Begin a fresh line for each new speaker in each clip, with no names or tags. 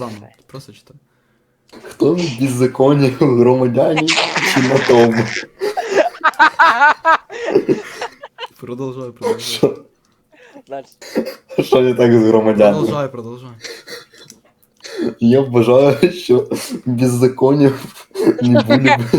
Рома, просто читай.
Хто в беззаконні громадяні чи на тому?
Продовжай.
Дальше.
Що не так з громадянами?
Продовжай.
Я вважаю, що беззаконня не буде б...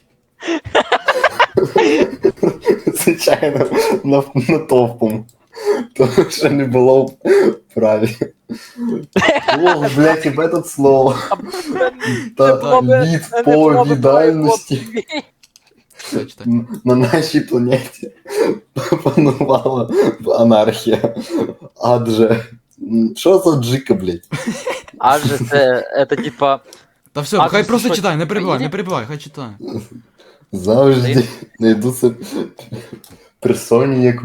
Звичайно, натовпом. Тому що не було б праві. О, блядь, і в этот слово. Та відповідальності
Читай.
на нашій планеті панувала анархія. Адже... Що за джика, блядь?
Адже це типа...
Та все,
А
хай
ти
просто
що,
читай, не
Україні?
перебивай, хай читає.
Завжди знайдуться персоні, як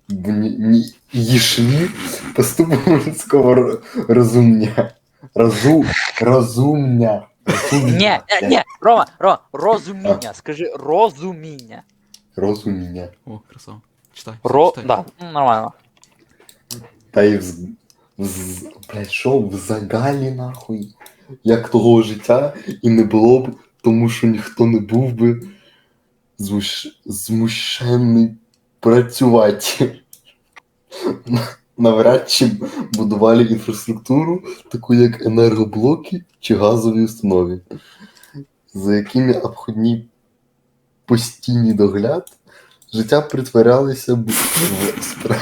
їшлі поступу людського розумня. Розумня.
Ні, Рома, розуміння, скажи розуміння.
Розуміння.
О, красава. Читай. читай.
Да, нормально.
Та й блядь, що в загалі нахуй? Як того життя і не було б, тому що ніхто не був би змушений працювати. Навряд чи будували інфраструктуру, таку як енергоблоки чи газові установи, за якими обходні постійний догляд, життя притворялося б в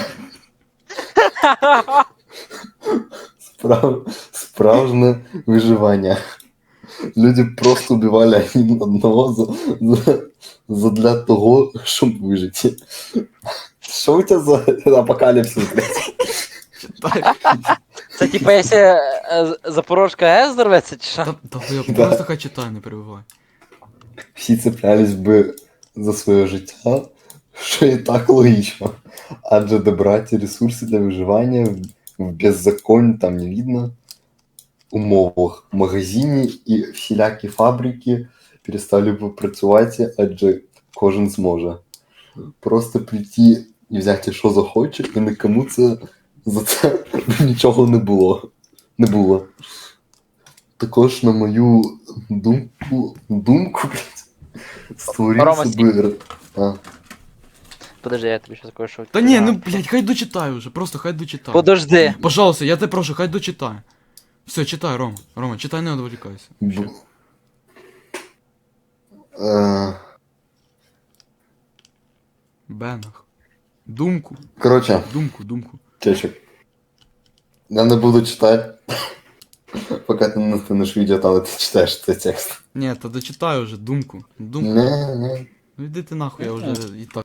справжнє виживання. Люди просто вбивали один одного задля того, щоб вижити. Що у тебе за апокаліпсис, блядь?
Читай.
Це типа, якщо Запорожка АЕС взорветься, чи що?
Да.
Просто хай читай, не перебивай.
Всі цеплялись би за своє життя, що і так логічно. Адже добрати ресурси для виживання в беззаконні, там не видно, умовах в магазині і всілякі фабрики перестали б працювати, адже кожен зможе. Просто прийти і взяти, що захоче, і нікому це за це нічого не було. Також, на мою думку, блядь,
Рома,
створився би...
Подожди, я тобі щас кое-що...
Та ні, ну блядь, хай дочитай уже, просто хай дочитай.
Подожди.
Пожалуйста, я тебе прошу, хай дочитай. Все, читай, Рома. Рома, читай, не відволікайся. Бенах. Думку.
Короче,
Думку.
чечек. Я не буду читати, поки ти не станеш відео, але ти читаєш цей текст.
Ні, та дочитай уже, думку.
Не.
Ну йди ти нахуй, я вже і так.